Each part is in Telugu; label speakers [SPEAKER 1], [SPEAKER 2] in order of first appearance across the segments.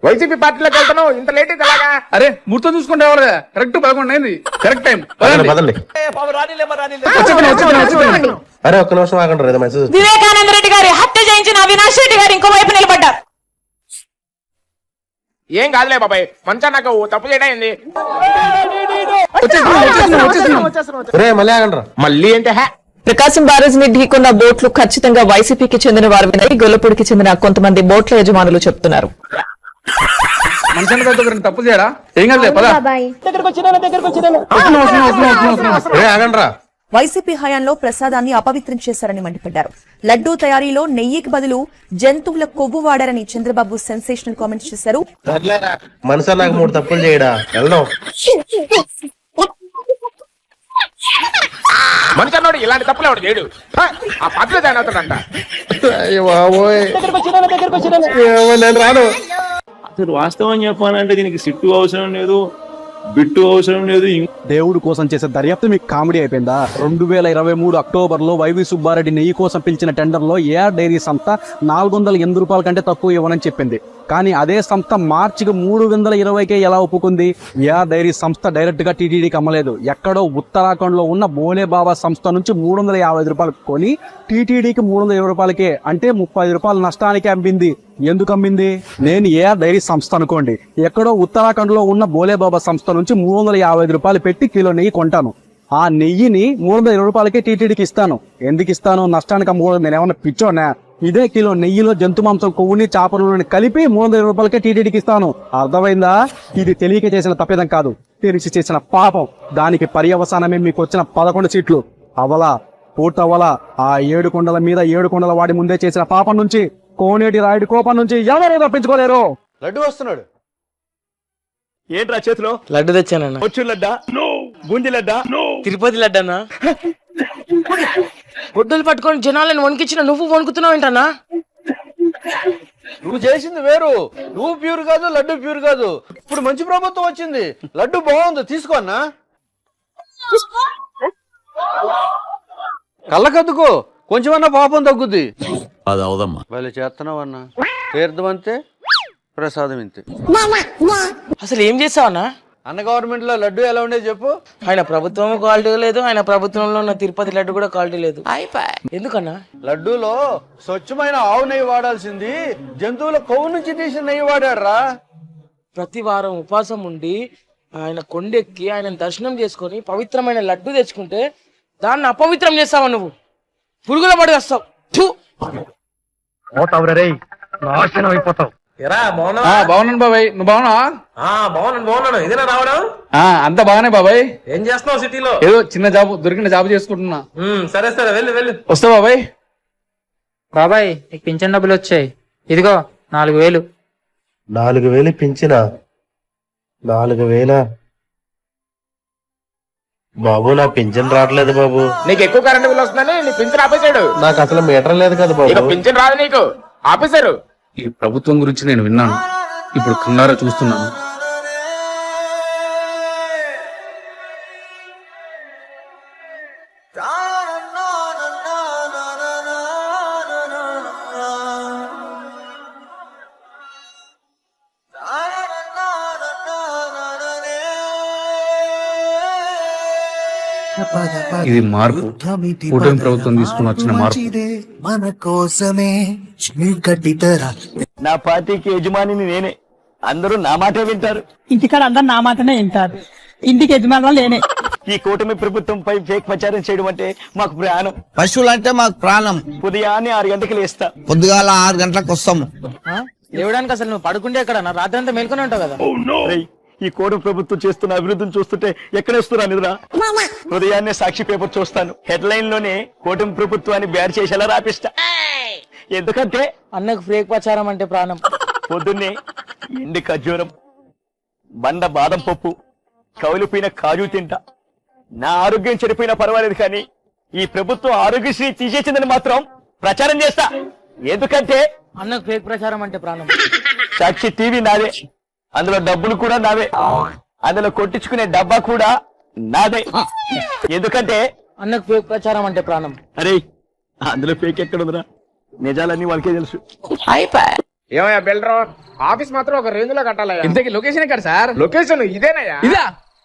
[SPEAKER 1] వైసీపీ పార్టీలోకి వెళ్తాను, ఇంత లేట్ అయితే ఎలాగా?
[SPEAKER 2] అరే ముహూర్తం చూసుకుంటే కరెక్ట్ 11 అయింది, కరెక్ట్ టైం.
[SPEAKER 3] అరే ఒక్క నిమిషం ఆగండి, మెసేజ్.
[SPEAKER 4] వివేకానంద రెడ్డి గారి హత్య చేయించిన అవినాష్ రెడ్డి గారు ఇంకో వైపు నిలబడ్డారు.
[SPEAKER 1] ఏం కాదులే బాబాయ్, మంచా నాకు తప్పు చేయడం.
[SPEAKER 3] మళ్ళీ ఆగండి,
[SPEAKER 1] మళ్ళీ ఏంటి?
[SPEAKER 4] ప్రకాశం బ్యారేజ్ ని ఢీకొన్న బోట్లు ఖచ్చితంగా వైసీపీకి చెందిన వారిని గొల్లపూడికి చెందిన కొంతమంది బోట్ల యజమానులు చెప్తున్నారు.
[SPEAKER 2] మనిషి తప్పు చేయడా? ఏం కాదులే పద.
[SPEAKER 3] ఆగండ్రా.
[SPEAKER 5] వైసీపీ హయాంలో ప్రసాదాన్ని అపవిత్రం చేశారని మండిపడ్డారు. లడ్డూ తయారీలో నెయ్యికి బదులు జంతువుల కొవ్వు వాడారని చంద్రబాబు సెన్సేషనల్ కామెంట్స్ చేశారు.
[SPEAKER 3] మనసా నాకు 3 తప్పులు చేయడా, వెళ్దాం.
[SPEAKER 1] మనిషి అన్నాడు ఇలాంటి తప్పులు ఎవడు చేయడు, ఆ పాత్ర జాయిన్ అవుతాడంట.
[SPEAKER 3] నేను రాను.
[SPEAKER 6] అసలు వాస్తవం చెప్పాలంటే దీనికి సిట్టు అవసరం లేదు, బిట్టు అవసరం లేదు.
[SPEAKER 7] దేవుడు కోసం చేసే దర్యాప్తు మీకు కామెడీ అయిపోయిందా? 2023 అక్టోబర్లో వైవి సుబ్బారెడ్డి నెయ్యి కోసం పిలిచిన టెండర్లో ఏఆర్ డైరీ సంస్థ 480 రూపాయల కంటే తక్కువ ఇవ్వనని చెప్పింది. కానీ అదే సంస్థ మార్చికి 320కే ఎలా ఒప్పుకుంది? ఏఆర్ డైరీ సంస్థ డైరెక్ట్ గా టీటీడీకి అమ్మలేదు. ఎక్కడో ఉత్తరాఖండ్ లో ఉన్న బోలే బాబా సంస్థ నుంచి 350 రూపాయలు కొని టీటీడీకి 320 రూపాయలకే, అంటే 30 రూపాయల నష్టానికి అమ్మింది. ఎందుకు అమ్మింది? నేను ఏఆర్ డైరీ సంస్థ అనుకోండి, ఎక్కడో ఉత్తరాఖండ్ లో ఉన్న బోలే బాబా సంస్థ నుంచి 355 రూపాయలు పెట్టి కిలో నెయ్యి కొంటాను. ఆ నెయ్యిని 320 రూపాయలకే టీటీడీకి ఇస్తాను. ఎందుకు ఇస్తాను? నష్టానికి అమ్ముకోవడం నేను ఏమన్నా పిచ్చోనా? ఇదే కిలో నెయ్యిలో జంతు మాంసం కొవ్వుని చేపలను కలిపి 320 రూపాయలకే టీటీడీకి ఇస్తాను. అర్థమైందా? ఇది తెలియక చేసిన తప్పిదం కాదు, తెలిసి చేసిన పాపం. దానికి పర్యవసానమే మీకు వచ్చిన 11 సీట్లు. అవలా పూర్తవలా ఆ 7 కొండల మీద 7 కొండల వాడి ముందే చేసిన పాపం నుంచి, కోనేటి రాయుడి కోపం నుంచి ఎవరు తప్పించుకోలేరు.
[SPEAKER 3] లడ్డు వస్తున్నాడు.
[SPEAKER 6] ఏంట్రా చేతిలో?
[SPEAKER 8] లడ్డు తెచ్చానన్నా.
[SPEAKER 6] వచ్చు లడ్డా, బూందీ లడ్డా,
[SPEAKER 8] తిరుపతి లడ్డన్నా. గొడ్డలు పట్టుకొని జనాలను వణికించిన నువ్వు వణుకుతున్నావు ఏంటన్నా?
[SPEAKER 9] నువ్వు చేసింది వేరు, నువ్వు ప్యూర్ కాదు, లడ్డు ప్యూర్ కాదు. ఇప్పుడు మంచి ప్రభుత్వం వచ్చింది, లడ్డు బాగుంది, తీసుకో అన్నా. కళ్ళకద్దుకో, కొంచెమన్నా పాపం తగ్గుద్ది.
[SPEAKER 6] అది అవదమ్మా.
[SPEAKER 9] వాళ్ళు చేస్తున్నావు అన్నా, తీర్థం అంతే, ప్రసాదం ఇంతే.
[SPEAKER 8] అసలు ఏం చేస్తావన్నా?
[SPEAKER 9] అన్న గవర్నమెంట్ లో లడ్డు ఎలా ఉండేది చెప్పు.
[SPEAKER 8] ఆయన ప్రభుత్వం క్వాలిటీ లేదు, ఆయన ప్రభుత్వంలో ఉన్న తిరుపతి లడ్డు కూడా క్వాలిటీ లేదు. ఎందుకన్నా?
[SPEAKER 9] లడ్డూలో స్వచ్ఛమైన ఆవు నెయ్యి వాడాల్సింది జంతువుల కొవ్వు నుంచి తీసిన నెయ్యి వాడారా.
[SPEAKER 8] ప్రతి వారం ఉపవాసం ఉండి ఆయన కొండెక్కి ఆయన దర్శనం చేసుకొని పవిత్రమైన లడ్డు తెచ్చుకుంటే దాన్ని అపవిత్రం చేస్తావా నువ్వు? పురుగుల పడి వస్తావు.
[SPEAKER 1] నాశనం అయిపోతావు.
[SPEAKER 2] బాగున్నాను బాబాయ్, నువ్వు బాగున్నావా?
[SPEAKER 1] బాగున్నాను. ఇదేనా రావడం?
[SPEAKER 2] అంత బాగానే బాబాయ్.
[SPEAKER 1] ఏం చేస్తున్నావు సిటీలో?
[SPEAKER 2] ఏదో చిన్న జాబ్ దొరికిన జాబ్ చేసుకుంటున్నా.
[SPEAKER 1] సరే సరే, వెళ్ళు.
[SPEAKER 2] వస్తా బాబాయ్.
[SPEAKER 10] బాబాయ్ నీకు పింఛన్ డబ్బులు వచ్చాయి, ఇదిగో 4000.
[SPEAKER 3] 4000 పింఛనా? 4000 బాబు, నా పింఛన్ రావట్లేదు బాబు.
[SPEAKER 1] నీకు ఎక్కువ కరెంట్ బిల్ వస్తుందని నీ పింఛన్ ఆపేశాడు.
[SPEAKER 3] నాకు అసలు మీటర్ లేదు కదా బాబు.
[SPEAKER 1] పింఛన్ రాదు నీకు, ఆపేశారు.
[SPEAKER 2] ఈ ప్రభుత్వం గురించి నేను విన్నాను, ఇప్పుడు కన్నారా చూస్తున్నాను. ఇది మార్పు, కూటమి ప్రభుత్వం తీసుకుని వచ్చిన మార్పు.
[SPEAKER 11] మన కోసమే
[SPEAKER 6] నా పార్టీకి యజమానిని నేనే, అందరూ నా మాటే వింటారు.
[SPEAKER 4] ఇంటికాడ అందరు నా మాటనే వింటారు, ఇంటికి యజమానులు నేనే.
[SPEAKER 6] ఈ కూటమి ప్రభుత్వంపై ఫేక్ ప్రచారం చేయడం అంటే మాకు ప్రాణం.
[SPEAKER 11] పశువులు అంటే మాకు ప్రాణం.
[SPEAKER 6] ఉదయాన్నే 6 గంటలకు లేస్తా,
[SPEAKER 11] పొద్దుగాల 6 గంటలకు వస్తాము.
[SPEAKER 8] లేవడానికి అసలు నువ్వు పడుకుంటే ఎక్కడ? రాత్రి అంతా మేల్కొని ఉంటావు కదా.
[SPEAKER 6] ఈ కూటమి ప్రభుత్వం చేస్తున్న అభివృద్ధిని చూస్తుంటే ఎక్కడేస్తున్నా నిద్ర. ఉదయాన్నే సాక్షి పేపర్ చూస్తాను, హెడ్లైన్ లోనే కూటమి ప్రభుత్వాన్ని బ్యాడ్ చేసేలా రాపిస్తా. ఎందుకంటే
[SPEAKER 8] అన్నకు ఫేక్ ప్రచారం అంటే ప్రాణం.
[SPEAKER 6] పొద్దున్నే ఎండి ఖర్జూరం, బండ బాదం పప్పు, కౌలిపోయిన కాజు తింటా. నా ఆరోగ్యం చెడిపోయినా పర్వాలేదు, కానీ ఈ ప్రభుత్వం ఆరోగ్యశ్రీ తీసేసిందని మాత్రం ప్రచారం చేస్తా. ఎందుకంటే
[SPEAKER 8] అన్నకు ఫేక్ ప్రచారం అంటే ప్రాణం.
[SPEAKER 6] సాక్షి టీవీ నాదే, అందులో డబ్బులు కూడా నావే, అందులో కొట్టించుకునే డబ్బా కూడా నాదే. ఎందుకంటే
[SPEAKER 8] అన్నకు ఫేక్ ప్రచారం అంటే ప్రాణం.
[SPEAKER 6] అరే అందులో ఫేక్ ఎక్కడుందిరా, నిజాలన్నీ వాళ్ళకే తెలుసు.
[SPEAKER 1] ఏమయ్యా బిల్డర్, ఆఫీస్ మాత్రం ఒక రేంజ్ లో కట్టాలయ్యా.
[SPEAKER 8] ఇంతకీ లొకేషన్ ఎక్కడ సార్?
[SPEAKER 1] లొకేషన్ ఇదేనయ్యా.
[SPEAKER 8] ఇదా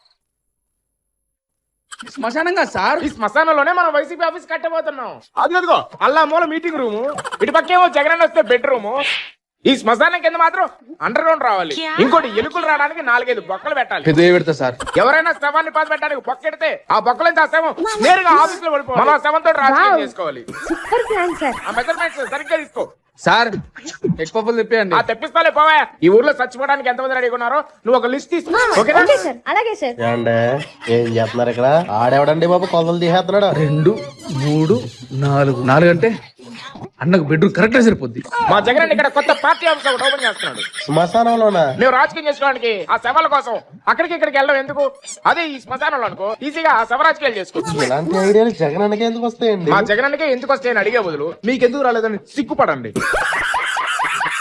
[SPEAKER 8] శ్మశానంగా సార్?
[SPEAKER 1] ఈ శ్మశానంలోనే మనం వైసీపీ ఆఫీస్ కట్టబోతున్నాం. అదిగో అల్లా మూల మీటింగ్ రూము, ఇటు పక్కేమో జగన్ వస్తే బెడ్రూము. ఈ శ్మశానం కింద మాత్రం అండర్ గ్రౌండ్ రావాలి. ఇంకోటి ఎలుకలు రావడానికి 4-5 బొక్కలు పెట్టాలి.
[SPEAKER 8] పెద్ద పెడతా సార్.
[SPEAKER 1] ఎవరైనా శవాన్ని పాతి పెట్టడానికి బొక్కెడితే ఆ బొక్కలైతే ఆ శవం నేరుగా ఆఫీస్ లో పడిపోవాలి. మనం ఆ శవంతో రాజకీయం చేసుకోవాలి. ఆ మెజర్మెంట్స్ సరిగ్గా తీసుకో
[SPEAKER 8] సార్. ఎగ్ పప్పులు తెప్పియండి.
[SPEAKER 1] తెప్పిస్తాలే పోవా. ఈ ఊర్లో చచ్చిపోవడానికి ఎంతమంది రెడీగా ఉన్నారో నువ్వు ఒక లిస్ట్ తీసుకో. ఓకేనా?
[SPEAKER 5] అలాగే సార్.
[SPEAKER 3] ఏండే ఏం చేస్తున్నారు ఇక్కడ? ఆడేవడండి బాబు కొలతలు తీసేస్తున్నాడు.
[SPEAKER 2] 2, 3, 4 అంటే అన్నకు బెడ్రూమ్ కరెక్ట్ సరిపోద్ది.
[SPEAKER 1] మా జగన్ ఇక్కడ కొత్త పార్టీ ఆఫీస్ ఒకటి ఓపెన్ చేస్తున్నాడు.
[SPEAKER 3] శ్మశానంలోనా?
[SPEAKER 1] నువ్వు రాజకీయం చేసుకోవడానికి ఆ శవాల కోసం అక్కడికి ఇక్కడికి వెళ్ళడం ఎందుకు? అదే ఈ శ్మశానంలో అనుకో ఈజీగా ఆ శవ రాజకీయాలు చేసుకోవచ్చు.
[SPEAKER 3] ఇలాంటి ఐడియాలు జగన్ అన్నకే ఎందుకు వస్తాయండి?
[SPEAKER 1] మా జగన్ ఎందుకు వస్తాయని అడిగే బదులు మీకెందుకు రాలేదని సిగ్గుపడండి.